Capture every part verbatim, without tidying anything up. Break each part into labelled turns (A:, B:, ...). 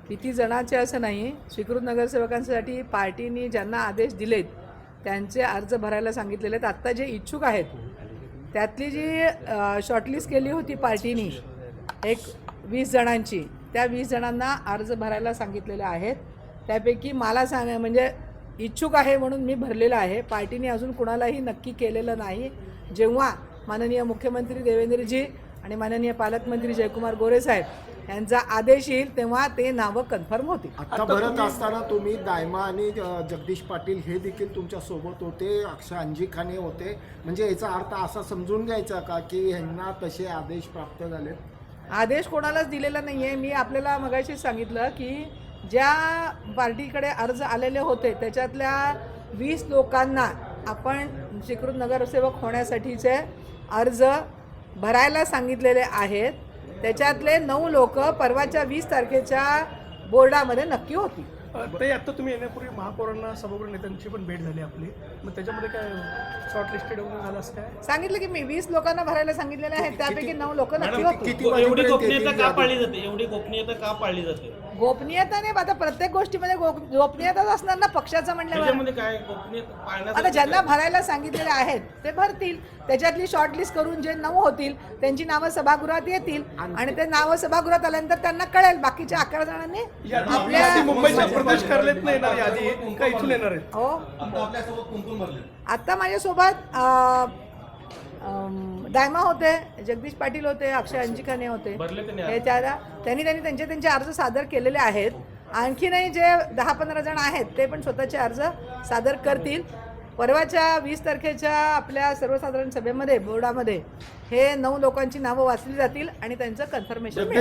A: किती जणांचे असं नाही, स्वीकृत नगरसेवकांसाठी पार्टीने ज्यांना आदेश दिलेत त्यांचे अर्ज भरायला सांगितलेले आहेत। आत्ता जे इच्छुक आहेत त्यातली जी शॉर्टलिस्ट केली होती पार्टीने एक वीस जणांची, त्या वीस जणांना अर्ज भरायला सांगितलेले आहेत। त्यापैकी मला सांग म्हणजे इच्छुक आहे म्हणून मी भरलेलं आहे। पार्टीने अजून कुणालाही नक्की केलेलं नाही। जेव्हा माननीय मुख्यमंत्री देवेंद्रजी आणि माननीय पालकमंत्री जयकुमार गोरे साहेब यांचा आदेश येईल तेव्हा ते नावं कन्फर्म होतील।
B: आता भरत असताना तुम्ही दायमा आणि जगदीश पाटील हे देखील तुमच्या सोबत होते, अक्षय अंजिखाने होते, म्हणजे याचा अर्थ असा समजून घ्यायचा का की ह्यांना तसे आदेश प्राप्त झाले?
A: आदेश कोणालाच दिलेला नाही आहे। मी आपल्याला मगाशीच सांगितलं की ज्या पार्टीकडे अर्ज आलेले होते त्याच्यातल्या वीस लोकांना आपण स्वीकृत नगरसेवक होण्यासाठीचे अर्ज भरायला सांगितलेले आहेत। त्याच्यातले नऊ लोक परवाच्या वीस तारखेच्या बोर्डामध्ये नक्की होती।
C: ते आता तुम्ही येण्यापूर्वी महापौरांना सभागृह नेत्यांची पण भेट झाली आपली, मग त्याच्यामध्ये काय शॉर्ट लिस्टेड वगैरे झालं असं काय?
A: सांगितलं की मी वीस लोकांना भरायला सांगितलेले आहेत, त्यापैकी नऊ लोक नक्की होती।
D: एवढी गोपनीयता का पाळली जाते एवढी गोपनीयता का पाळली जाते
A: गोपनीयता नाही, आता प्रत्येक गोष्टीमध्ये गोपनीयताच असणार ना पक्षाचं म्हणल्यावर।
D: काय गोपनीयता पाळण्यात
A: आता ज्यांना भरायला सांगितलेले आहेत ते भरतील, त्याच्यातली शॉर्टलिस्ट करून जे नऊ होतील त्यांची नावं सभागृहात येतील आणि ते नावं सभागृहात आल्यानंतर त्यांना कळेल बाकीच्या अकरा जणांनी
C: आपल्या मुंबईच्या प्रदेश कार्यालयात येणार यादी का इथून येणार आहेत?
A: हो, आता माझ्यासोबत दायमा होते, जगदीश पाटील होते, अक्षय अंजिखाने होते। हे त्याला त्यांनी त्यांनी त्यांचे त्यांचे अर्ज सादर केलेले आहेत। आणखीनही जे दहा पंधरा जण आहेत ते पण स्वतःचे अर्ज सादर करतील। परवाच्या वीस तारखेच्या आपल्या सर्वसाधारण सभेमध्ये बोर्डामध्ये हे नऊ लोकांची नावं वाचली जातील आणि त्यांचं कन्फर्मेशन
D: असू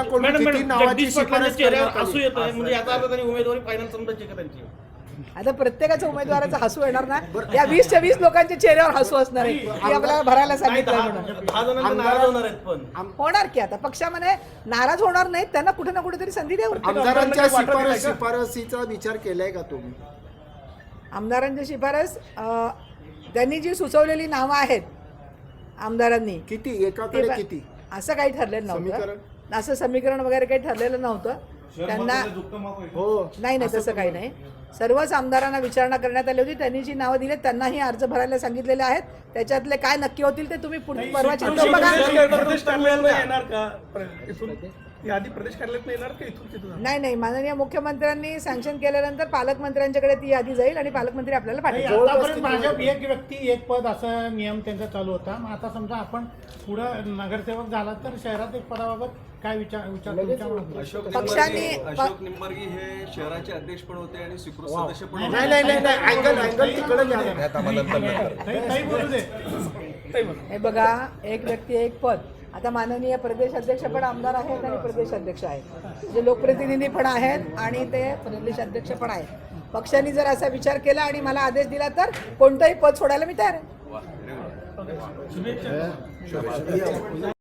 D: येतं म्हणजे याचा अर्थ त्यांनी उमेदवारी फायनल समजायची का त्यांची?
A: आता प्रत्येकाच्या उमेदवाराचा हसू येणार ना, या वीसच्या वीस लोकांच्या चेहऱ्यावर हसू असणार आहे की आपल्याला भरायला सांगितलं म्हणून।
D: दहा जणांना नाराज होणार आहेत पण
A: होणार की आता पक्षामध्ये नाराज होणार नाहीत, त्यांना कुठे ना कुठेतरी संधी देऊ।
B: आमदारांच्या शिफारस शिफारसीचा विचार केलाय का तुम्ही?
A: आमदारांची शिफारस त्यांनी जी सुचवलेली नावं आहेत आमदारांनी
B: किती एकाकडे किती
A: असं काही ठरलेलं नव्हतं, असं समीकरण वगैरे काही ठरलेलं नव्हतं त्यांना।
B: हो
A: नाही नाही तसं काही नाही, सर्वच आमदारांना विचारणा करण्यात आली होती। त्यांनी जी नावं दिली त्यांनाही अर्ज भरायला सांगितलेले आहेत। त्याच्यातले काय नक्की होतील ते तुम्ही पुढे परवाची
C: प्रदेश कार्यालयात येणार का? इथून यादी प्रदेश कार्यालयात येणार का इथून तिथून?
A: नाही नाही, माननीय मुख्यमंत्र्यांनी सँक्शन केल्यानंतर पालकमंत्र्यांच्याकडे ती यादी जाईल आणि पालकमंत्री आपल्याला पाठवतील।
E: आतापर्यंत भाजप एक व्यक्ती एक पद असा नियम त्यांचा चालू होता, मग आता समजा आपण पुढं नगरसेवक झाला तर शहरात एक पदाबाबत काय विचार विचार
A: पक्षाने
F: अशोक निंबार्गी हे शहराचे अध्यक्ष पण होते आणि स्वीकृत सदस्य पण होते।
B: नाही नाही नाही अँगल अँगल तिकडे
E: बोलू दे।
A: हे बघा, एक व्यक्ती एक पद। आता माननीय प्रदेश अध्यक्ष पण आमदार आहेत आणि प्रदेश अध्यक्ष आहेत, जे लोकप्रतिनिधी पण आहेत आणि ते प्रदेश अध्यक्ष पण आहेत। पक्षाने जर असा विचार केला आणि मला आदेश दिला तर कोणतंही पद सोडायला मी तयार आहे।